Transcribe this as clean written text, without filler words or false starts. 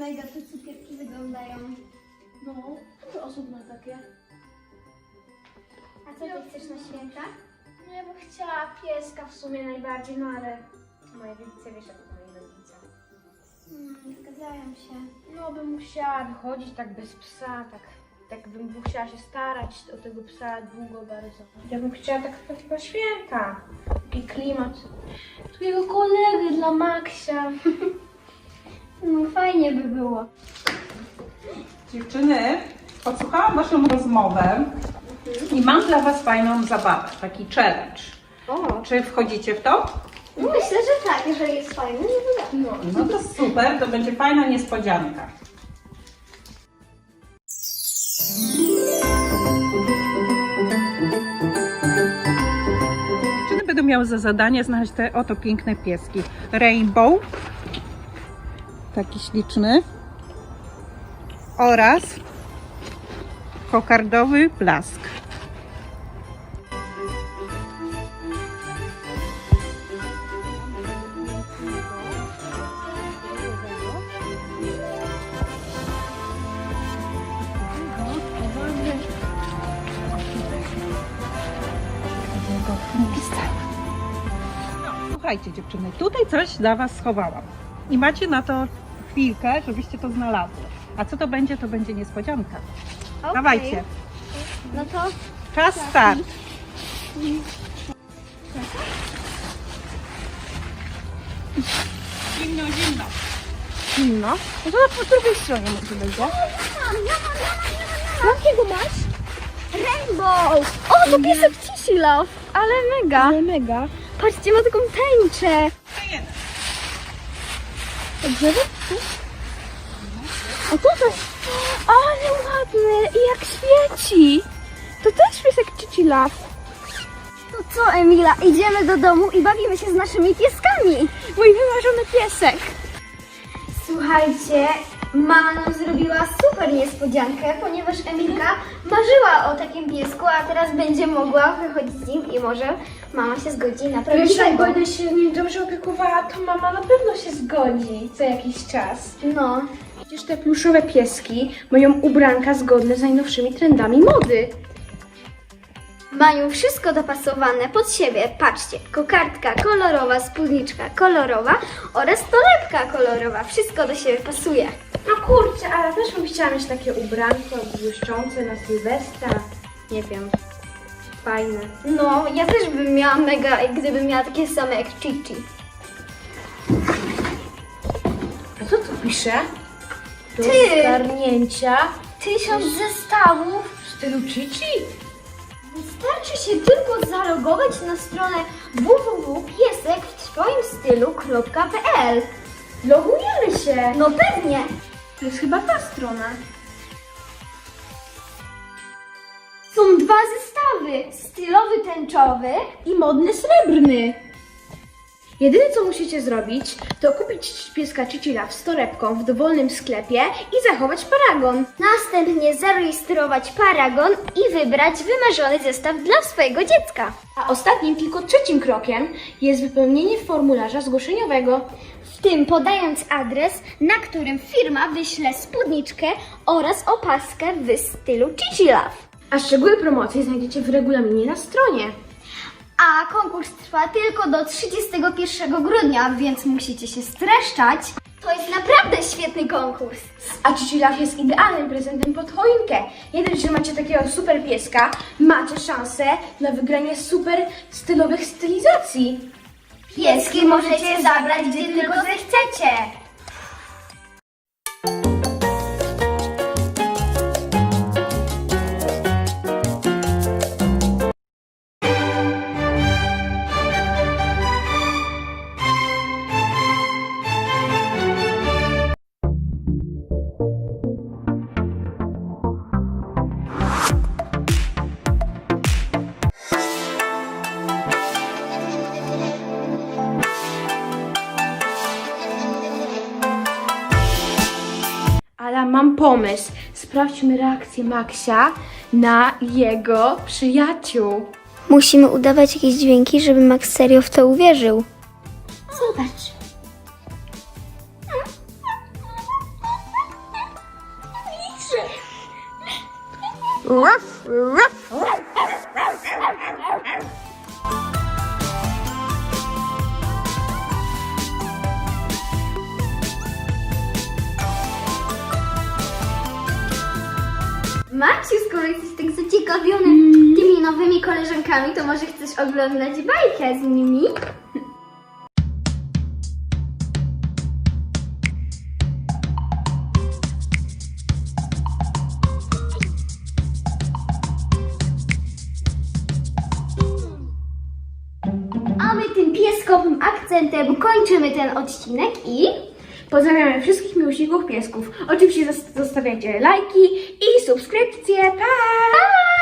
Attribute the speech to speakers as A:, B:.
A: mega te cukierki wyglądają.
B: No, to osób ma takie.
A: A co ty chcesz na święta?
B: No ja bym chciała pieska w sumie najbardziej, no ale moje rodzice, wiesz, jak to moi rodzice.
A: Zgadzają się.
B: No bym musiała wychodzić tak bez psa, tak bym musiała się starać o tego psa długo bardzo. Ja bym chciała tak takiego święta, taki klimat, takiego kolegę dla Maksia.
A: No fajnie by było.
C: Dziewczyny, podsłuchałam waszą rozmowę i mam dla was fajną zabawę, taki challenge.
A: O.
C: Czy wchodzicie w to?
A: Myślę, że tak, jeżeli jest fajny, no to
C: No to super, to będzie fajna niespodzianka. Dziewczyny będą miały za zadanie znaleźć te oto piękne pieski. Rainbow, taki śliczny, oraz kokardowy blask. Słuchajcie dziewczyny, tutaj coś dla was schowałam i macie na to chwilkę, żebyście to znalazły. A co to będzie niespodzianka.
A: okej.
C: Dawajcie,
A: No to
C: czas start. Zimno, zimno.
B: No, no to po drugiej stronie może będzie.
A: jakiego masz? Rainbow! O, to piesek Cici Love, ale mega.
B: Ale mega.
A: Patrzcie, ma taką tęczę.
B: Dobrze?
A: A to też, ale ładny i jak świeci.
B: To też piesek Cici Love.
A: To co, Emila, idziemy do domu i bawimy się z naszymi pieskami.
B: Mój wymarzony piesek.
A: Słuchajcie, mama nam zrobiła super niespodziankę, ponieważ Emilka marzyła o takim piesku, a teraz będzie mogła wychodzić z nim i może mama się zgodzi na
B: Wiesz, jak
A: prawdziwego.
B: będę się nim dobrze opiekowała, to mama na pewno się zgodzi co jakiś czas.
A: No,
B: Przecież te pluszowe pieski mają ubranka zgodne z najnowszymi trendami mody.
A: mają wszystko dopasowane pod siebie. Patrzcie, kokardka kolorowa, spódniczka kolorowa oraz torebka kolorowa. Wszystko do siebie pasuje.
B: No kurczę, ale też bym chciała mieć takie ubranko błyszczące na Sylwestra. Nie wiem, fajne.
A: No, ja też bym miała mega, gdybym miała takie same jak Chichi.
B: A co tu pisze? Do
A: Ty!
B: zgarnięcia
A: 1000 zestawów.
B: w stylu Chichi?
A: Wystarczy się tylko zalogować na stronę www.piesek-w-twoim-stylu.pl.
B: Logujemy się!
A: No pewnie.
B: To jest chyba ta strona.
A: Są dwa zestawy. Stylowy tęczowy.
B: I modny srebrny. Jedyne co musicie zrobić, to kupić pieska Cici Love z torebką w dowolnym sklepie i zachować paragon.
A: Następnie zarejestrować paragon i wybrać wymarzony zestaw dla swojego dziecka.
B: A ostatnim, tylko trzecim krokiem jest wypełnienie formularza zgłoszeniowego.
A: W tym podając adres, na którym firma wyśle spódniczkę oraz opaskę w stylu Cici Love.
B: A szczegóły promocji znajdziecie w regulaminie na stronie.
A: A konkurs trwa tylko do 31 grudnia, więc musicie się streszczać. To jest naprawdę świetny konkurs.
B: A Cici Love jest idealnym prezentem pod choinkę. Nie dość, że macie takiego super pieska, macie szansę na wygranie super stylowych stylizacji.
A: Pieski możecie zabrać, gdzie tylko zechcecie.
B: Ale mam pomysł. Sprawdźmy reakcję Maksia na jego przyjaciół.
A: Musimy udawać jakieś dźwięki, żeby Max serio w to uwierzył. Zobacz. Maciu, skoro jesteś tak zaciekawiony tymi nowymi koleżankami, to może chcesz oglądać bajkę z nimi? A my tym pieskowym akcentem kończymy ten odcinek i...
B: Pozdrawiamy wszystkich miłośników piesków. Oczywiście zostawiajcie lajki i subskrypcje. Pa!
A: Pa!